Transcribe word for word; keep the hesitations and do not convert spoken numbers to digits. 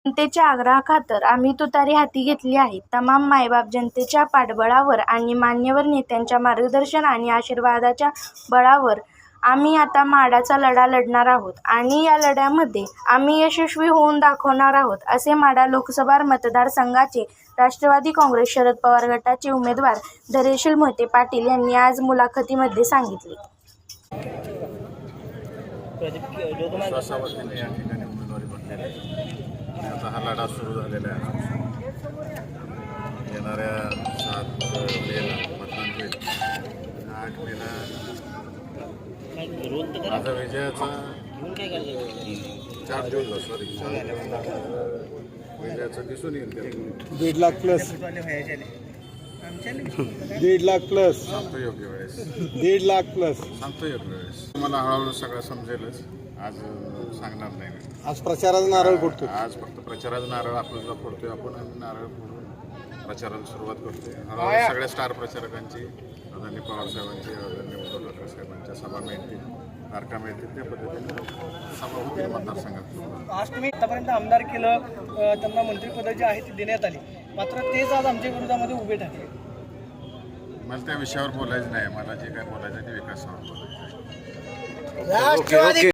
जनतेच्या आग्रहाखातर आम्ही तुतारी हाती घेतली आहे. तमाम मायबाप जनतेच्या पाठबळावर आणि मान्यवर नेत्यांच्या मार्गदर्शन आणि आशीर्वादाच्या बळावर आम्ही आता माढाचा लढा लढणार आहोत आणि या लढ्यामध्ये आम्ही यशस्वी होऊन दाखवणार आहोत, असे माढा लोकसभा मतदारसंघाचे राष्ट्रवादी काँग्रेस शरद पवार गटाचे उमेदवार धैर्यशील मोहिते पाटील यांनी आज मुलाखतीमध्ये सांगितले. विश्वासावरती या ठिकाणी उमेदवारी भरलेली आहे आणि आता हा लढा सुरू झालेला आहे. येणाऱ्या सात मेला मतदान होईल. आठ मेला माझा विजयाचा चार दिवस सॉरी विजयाचा दिसून येईल. दीड लाख प्लस दीड लाख प्लस सांगतो योग्य वेळेस दीड लाख प्लस सांगतो योग्य वेळेस मला हळूहळू सगळं समजेलच. आज सांगणार नाही मी. आज प्रचाराचा नारळ फोडतो. आज फक्त प्रचाराचा नारळ आपल्याला फोडतोय आपण आणि नारळ फोडून प्रचाराला सुरुवात करतोय. हळूहळू सगळ्या स्टार प्रचारकांची आदरणीय पवार साहेबांची आदरणीय उद्धव ठाकरे साहेबांच्या सभा मिळतील, तारखा मिळतील, त्या पद्धतीने सभा होतील मतदारसंघात. आज तुम्ही आतापर्यंत आमदार केलं, त्यांना मंत्रिपद जे आहे ते देण्यात आली, मात्र तेच आज आमच्या विरोधामध्ये उभे ठाकले. मला त्या विषयावर बोलायचं नाही. मला जे काय बोलायचं ते विकासावर बोलायचं आहे. Okay okay.